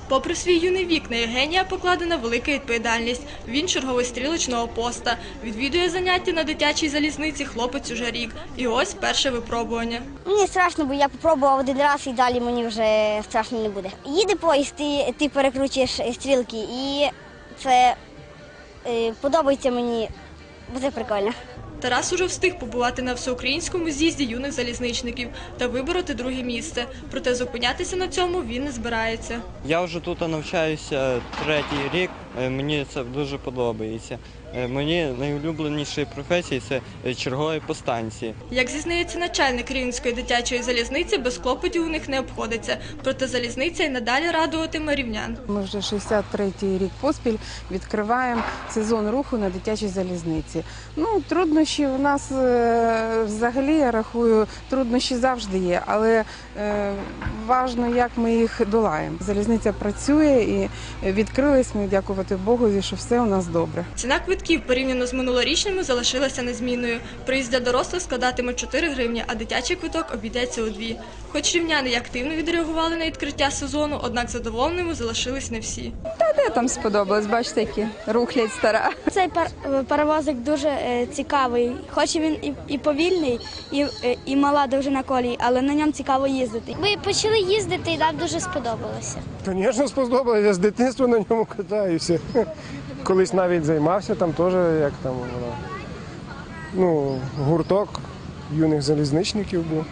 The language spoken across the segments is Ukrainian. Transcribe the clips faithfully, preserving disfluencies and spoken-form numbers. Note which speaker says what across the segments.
Speaker 1: Попри свій юний вік, на Євгенія покладена велика відповідальність. Він черговий стрілочного поста. Відвідує заняття на дитячій залізниці хлопець уже рік. І ось перше випробування.
Speaker 2: Мені страшно, бо я спробував один раз і далі мені вже страшно не буде. Їде поїзд, ти, ти перекручуєш стрілки і це е, подобається мені, бо це прикольно.
Speaker 1: Тарас уже встиг побувати на всеукраїнському з'їзді юних залізничників та вибороти друге місце. Проте зупинятися на цьому він не збирається.
Speaker 3: Я вже тут навчаюся третій рік, мені це дуже подобається. Мені найулюбленіші професії – це чергові по станції.
Speaker 1: Як зізнається начальник Рівненської дитячої залізниці, без клопотів у них не обходиться. Проте залізниця й надалі радуватиме рівнян.
Speaker 4: Ми вже шістдесят третій рік поспіль відкриваємо сезон руху на дитячій залізниці. Ну, труднощі у нас е, взагалі, я рахую, труднощі завжди є, але е, важливо, як ми їх долаємо. Залізниця працює і відкрились ми, дякувати Богові, що все у нас добре.
Speaker 1: Ціна квитків порівняно з минулорічними залишилася незмінною. Проїзд для дорослих складатиме чотири гривні, а дитячий квиток обійдеться у дві. Хоч рівняни й активно відреагували на відкриття сезону, однак задоволеними залишились не всі.
Speaker 5: Та де там сподобалось, бачите, які рухлядь стара.
Speaker 6: Цей пар паровозик дуже е, цікавий, хоч він і, і повільний, і, е, і мала довжина колії, але на ньому цікаво їздити.
Speaker 2: Ми почали їздити і нам дуже сподобалося.
Speaker 7: Звісно, сподобалося. Я з дитинства на ньому катаюся. Колись навіть займався там теж, як там воно. Ну, гурток юних залізничників був.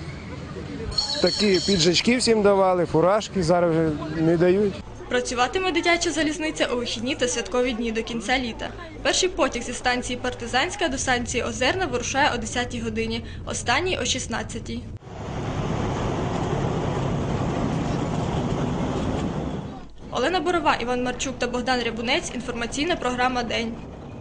Speaker 7: Такі піджачки всім давали, фуражки, зараз вже не дають.
Speaker 1: Працюватиме дитяча залізниця у вихідні та святкові дні до кінця літа. Перший потяг зі станції Партизанська до станції Озерна вирушає о десятій годині, останній – о шістнадцятій. Олена Борова, Іван Марчук та Богдан Рябунець. Інформаційна програма «День».